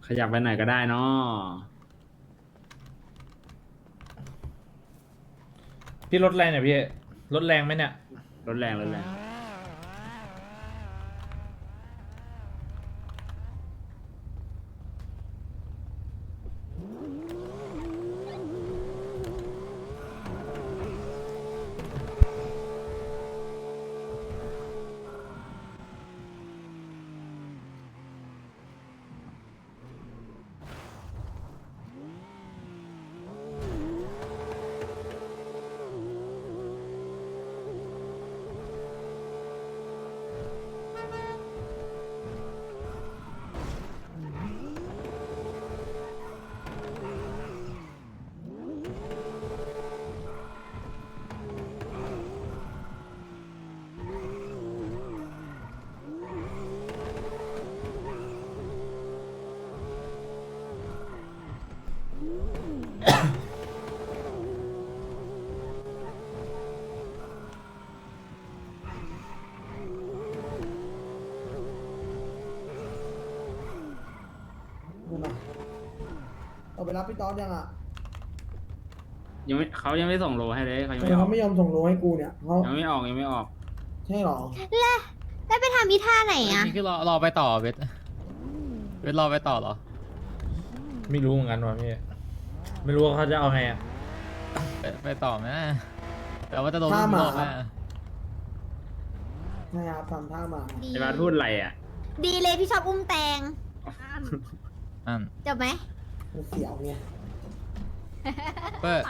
ขยับไปไหนก็ได้เนาะพี่รถแรงเนี่ยพี่รถแรงไหมเนี่ยรถแรงรถแรงเอาไปรับพี่ต๊อดยังอ่ะยังไม่เขายังไม่ส่งโลให้เลยเขายังทำไมไม่ออเขากไม่ยอมส่งโลให้กูเนี่ยเขายังไม่ออกยังไม่ออกใช่หรอแล้วไปทำอีท่าไหนอ่ะนี่คือรอไปต่อเวทรอไปต่อเหรอไม่รู้เหมือนกันว่ะพี่ไม่รู้ว่าเขาจะเอาไงอ่ะไปต่อไหมแต่ว่าจะโดนท่าหมารอบไหมใช่ครับทำท่ามาดีไอ้บาสพูดอะไรอ่ะดีเลยพี่ชอบอุ้มแตงอันจบไหมมันเสียวไงเปิด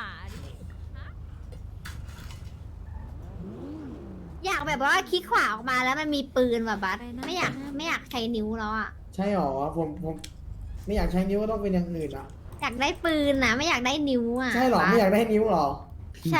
อยากแบบว่าคลิกขวาออกมาแล้วมันมีปืนแบบบัสไม่อยากใช้นิ้วแล้วอ่ะใช่หรอผมไม่อยากใช้นิ้วก็ต้องเป็นอย่างอื่นอ่ะอยากได้ปืนนะไม่อยากได้นิ้วอ่ะใช่หรอบัสไม่อยากได้นิ้วหรอใช่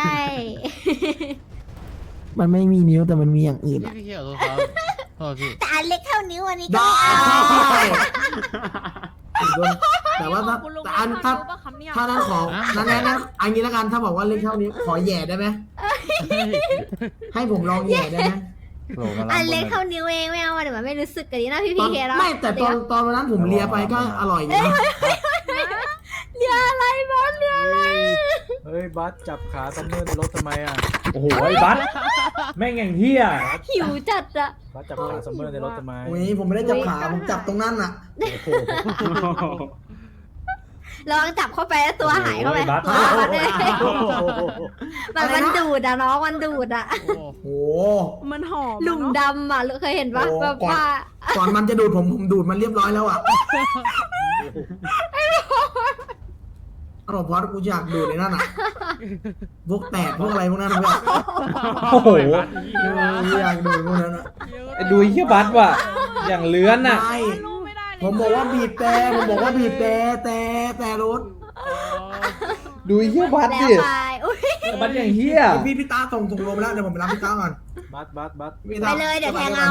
มันไม่มีนิ้วแต่มันมีอย่างอื่นพี่เขียวตัวครับโทษพี่แต่อันเล็กเท่านิ้วอันนี้ก็ได้ไม่เอาแต่ว่าถ้าแต่อันถ้านั้นขอนั้นอันนี้แล้วกันถ้าบอกว่าเล็กเท่านี้วขอแย่ได้ไหมให้ผมลองแย่ได้ไหมอันเล็กเท่านิ้วเองไม่เอาเดี๋ยวมันไม่รู้สึกกันดีนะพี่ตอพีนเคแล้วไม่แต่ตอนวันนั้นผมเลียไปก็อร่อยอยู่นะเรืออะไรบอสเรืออะไรเฮ้ยบัสจับขาซัมเมอร์ในรถทำไมอ่ะโอ้โหไอ้บัสแม่งอย่างเที่ยหิวจัดอะบัสจับขาซัมเมอร์ในรถทำไมโอ้ยผมไม่ได้จับขาผมจับตรงนั้นน่ะลองจับเข้าไปแล้วตัวหายเข้าไปโอ้ยบัสบัสเลยโอ้โหมันดูดอะน้องมันดูดอะโอ้โอ้มันหอมหลุมดำอะเคยเห็นปะโอ้แบบก่อนว่าก่อนมันจะดูดผมดูดมันเรียบร้อยแล้วอ่ะอร่อยพอดกูอยากดูดในนั่นอ่ะพวกแตกพวกอะไรพวกนั้นเพื่อนโอ้โหอยากดูดพวกนั้นอ่ะไอ้ดูไอ้เหี้ยบัสว่ะอย่างเลื้อนน่ะไม่รู้ไม่ได้เลยผมบอกว่าบีบแต่ผมบอกว่าบีบแต่รถดูไอ้เหี้ยบัสแล้วดิไปอุ้ยบัสอย่างเหี้ยพี่ตาส่งลมแล้วเดี๋ยวผมไปรับพี่ตาก่อนบัสพี่ไปตาเลยเดี๋ยวแทงเอา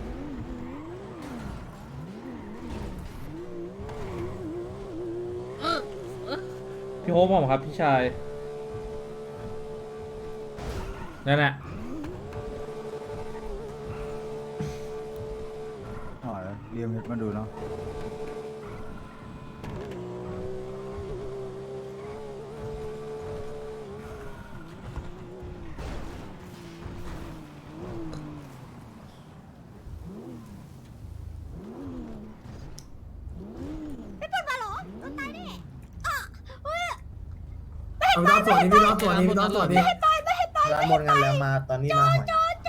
พี่โฮปผมครับพี่ชายนั่นแหละอ๋อเรียมมาดูเนาะไม่เป็นมาหรอต้นตายแน่อ่ะอุ้ยพี่ตาสวัสดีพี่ตาสวัสดีพี่ตาสวัสดีร้านหมดงานแล้วมาตอนนี้มาหอยจอด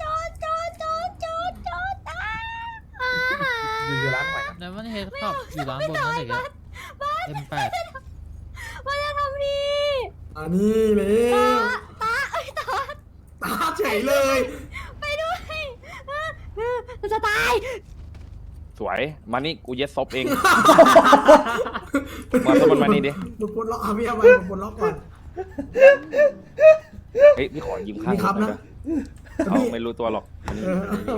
อยู่ร้านหอยครับแล้วมันเฮดขับอยู่ร้านบนนั่นเองM8 มันจะทำนี่อันนี้เลยตาเอ้ยตาตาเฉยเลยไปด้วยมันจะตายสวย มานี่กูเย็ดซบเอง มาสมันมานี่ดิดูปลดล็อกพี่เอาไปปลดล็อกก่อนเฮ้ยพี่ขอยืมข้างมีครับนะเอาไม่รู้ตัวหรอกอันนี้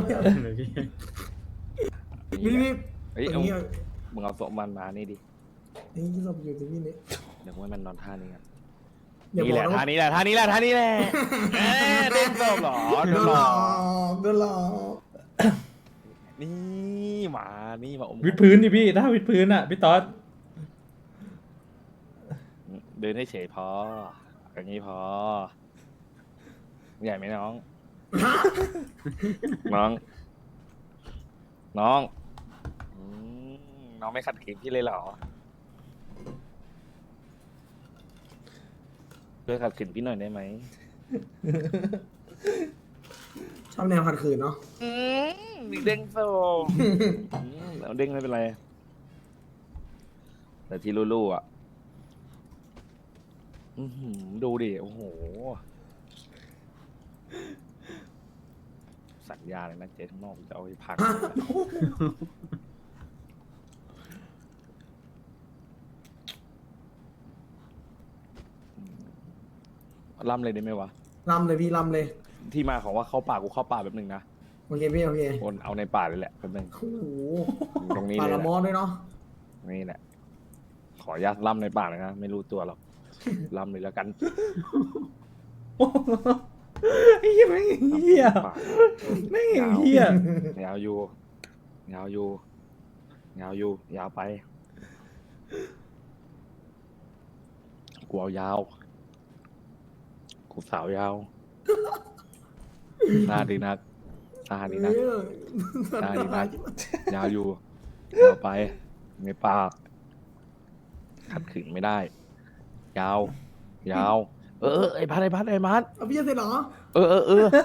พี่เฮ้ยอเอาย่างนี้มึงเอาศพมันมานี่ดินี่ศพอยู่ตรงนี้นี่เดี๋ยวให้มันนอนท่านี้กันอย่านี่บแหอกละนะท่าว่านี้แหละท่านี้แหละท่านี้แหละเอ๊ะเล่นศพเหรอโดโดนนหหลลออกโดนหลอกนี่มานี่มาอมวิดพื้นดิพี่ ถ้าวิดพื้นอ่ะ พี่ต๊อดเดินให้เฉยพออย่างนี้พอใหญ่ไหมน้อง น้องอืมน้องไม่ขัดขืนพี่เลยเหรอช่วยขัดขืนพี่หน่อยได้ไหมชอบแนวขัดขืนเนาะมีเด้งโซเอาเด้งไม่เป็นไร แต่ที่ลู่ๆอ่ะดูดิ โอ้โห สัญญาเลยนะเจ๊ทั้างนอกจะเอาไปพังล่ำเลยได้ไหมวะลำเลยพี่ลำเลยที่มาของว่าเข้าป่ากูเข้าป่าแบบหนึ่งนะโอเคพี่โอเคโอนเอาในป่าเลยแหละแป๊บนึงโอ้โหตรงนี้ปลาเลยละแหมอละด้วยเนาะนี่แหละ ขออนุญาตล่ำในป่าเลยนะ ไม่รู้ตัวหรอก ล่ำเลยแล้วกันไอ้เหี้ยแม่งเหี้ยป่าแม่งเหี้ยยาวอยู่ ยาวอยู่ ยาวอยู่ ยาวไป กูเอายาว กูสาวยาวซาดีนักซาดีนัก ได้ดีมาก ยาวอยู่ ยาวไป ในปากขัดขืนไม่ได้ ยาว ยาว ไอ้พัดเอาพี่จะเสร็จเหรอเออ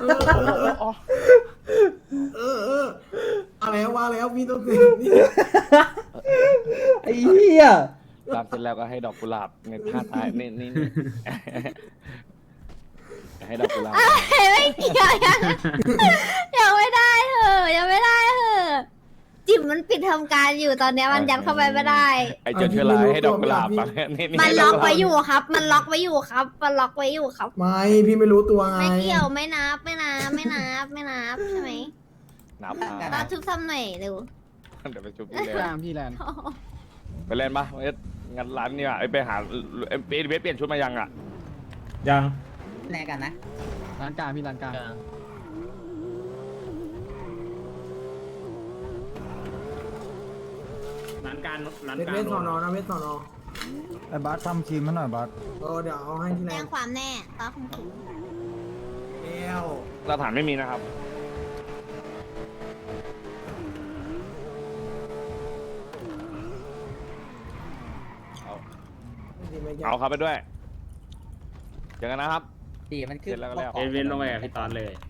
อะไรว่าแล้วพี่ต้องเสร็จนี่ไอ้เหี้ยตามเสร็จแล้วก็ให้ดอกกุหลาบในท่าตายนี่ให้ดอกกุหลาบไม่เกี่ยวยังไม่ได้เหอะยังไม่ได้เหอะจิ๋มมันปิดทำการอยู่ตอนเนี้ยมันยัดเข้าไปไม่ได้ไอ้เจ้าเชื้อราให้ดอกกุหลาบมานี่มันล็อกไว้อยู่ครับ มันล็อกไว้อยู่ครับ มันล็อกไว้อยู่ครับไม่พี่ไม่รู้ตัวไงไม่เกี่ยวไม่นับใช่ไหมนับตอนทุบซ้ำหน่อยเร็วเดี๋ยวไปชุบพี่พี่แลแลนนพี่แลนไปเล่นปะงั้นร้านนี่ว่ะไปหาเบสเปลี่ยนชุดมายังอ่ะยังแลกกันนะร้านกลางพี่ร้านกลางร้านการร้านเวทการเวทสอนอนะเวทสอนอไอ้บัสทำครีมให้หน่อยบัสเดี๋ยวเอาให้ที่แรแจ้งงความแน่ตอนคุมถุงแล้วหลักฐานไม่มีนะครับ เอาครับไปด้วยเจอกันนะครับดีมันขึ้นเสร็จแล้วก็แล้วเอเวนลงไปกับพี่ตอนเลย